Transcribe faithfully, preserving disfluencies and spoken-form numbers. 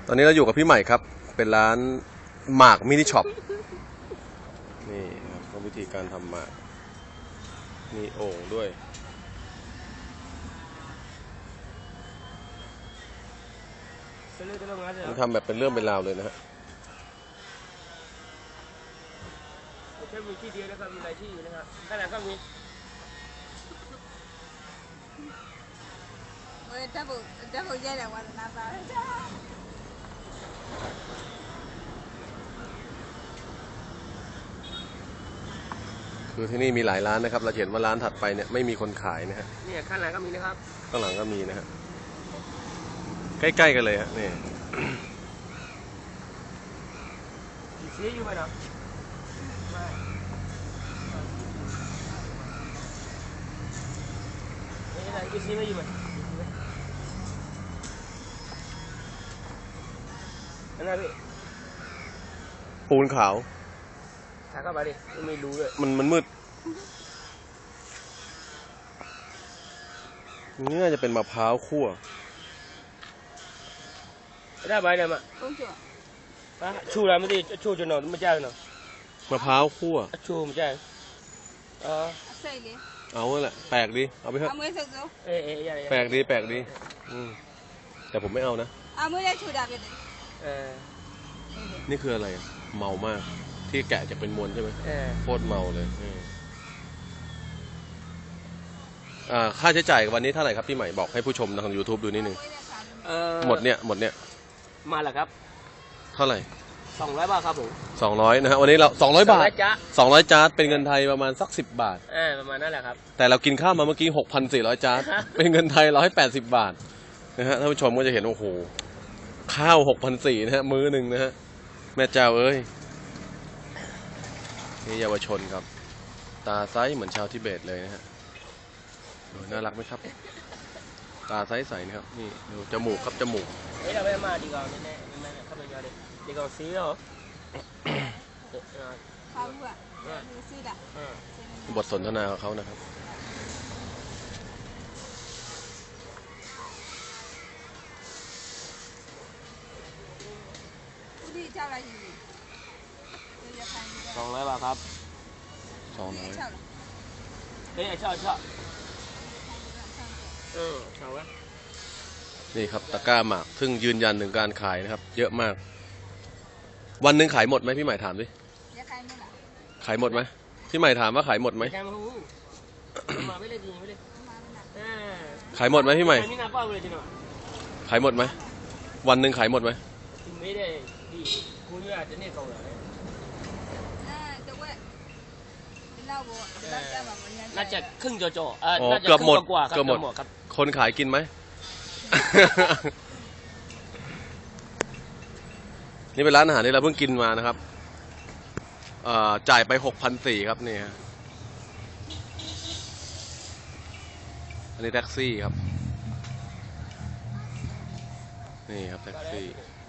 ตอนนี้เราอยู่กับพี่ใหม่ครับเป็นร้านหมากมินิช็อปนี่ครับวิธีการทำหมากมีโอ่งด้วยมันทำแบบเป็นเรื่องเป็นราวเลยนะฮะแค่มีที่เดียวนะครับมีหลายที่อยู่นะครับข้างหลังก็มี我这不这不也来我那边儿去。 คือที่นี่มีหลายร้านนะครับเราเห็นว่าร้านถัดไปเนี่ยไม่มีคนขายนะฮะเนี่ยข้างหลังก็มีนะครับข้างหลังก็มีนะฮะใกล้ๆกันเลยฮะนี่กี่สีอยู่ไหมเนาะไม่นี่อะไรกี่สีไม่อยู่ไหมอันนั้นพี่ปูนขาวถ่ายเข้าไปดิไม่รู้เลยมันมันมืดนี่น่าจะเป็นมะพร้าวคั่วได้ใบเลยมั้ย公主。 啊，ชูอะไรไม่ได้ชูจนหนอนไม่ใช่เนาะมะพร้าวคั่วชูไม่ใช่เออใส่เลยเอาแหละแปลกดีเอาไปเถอะเอามือใส่ดูเอ๊ะเอ๊ะแปลกดีแปลกดีอืมแต่ผมไม่เอานะเอามือได้ชูดาบเลยเออนี่คืออะไรเมามากที่แกะจะเป็นมวลใช่ไหมเออโคตรเมาเลยอ่าค่าใช้จ่ายวันนี้เท่าไหร่ครับพี่ใหม่บอกให้ผู้ชมทาง ยูทูบ ดูนิดนึงหมดเนี่ยหมดเนี่ยมาแล้วครับเท่าไหร่สองร้อยบาทครับผมสองร้อยนะฮะวันนี้เราสองร้อยบาทจ้าสองร้อยจาร์ดเป็นเงินไทยประมาณสักสิบบาทเออประมาณนั่นแหละครับแต่เรากินข้าวมาเมื่อกี้หกพันสี่ร้อยจาร์ดเป็นเงินไทยร้อยแปดสิบบาทนะฮะท่านผู้ชมก็จะเห็นโอ้โหข้าวหกพันสี่นะฮะมื้อหนึ่งนะฮะแม่เจ้าเอ้ยนี่เยาวชนครับตาไซส์เหมือนชาวทิเบตเลยนะฮะน่ารักไหมครับตาไซส์ใสนะครับนี่ดูจมูกครับจมูกเฮ้ยเราไม่มาดีกว่าแน่แน่แน่เข้าไปเยอะเลยดีกว่าซีเหรอข้าวอ่ะมือซื้อดะบทสนทนาของเขานะครับสองร้อยบาทครับสองร้อยเฮ้ยชอบชอบเออชอบวะนี่ครับตะกร้าหมากซึ่งยืนยันถึงการขายนะครับเยอะมากวันหนึ่งขายหมดไหมพี่ใหม่ถามดิขายหมดไหมพี่ใหม่ถามว่าขายหมดไหมขายหมดไหมพี่ใหม่ขายหมดไหมวันหนึ่งขายหมดไหมไม่ได้ดีคุณอาจจะเนี่ยเก่าเลยน่าจะครึ่งจ่อๆอ่าน่าจะเกือบหมดกว่าเกือบหมดคนขายกินไหม นี่เป็นร้านอาหารที่เราเพิ่งกินมานะครับจ่ายไปหกพันสี่ครับนี่ฮะอันนี้แท็กซี่ครับนี่ครับแท็กซี่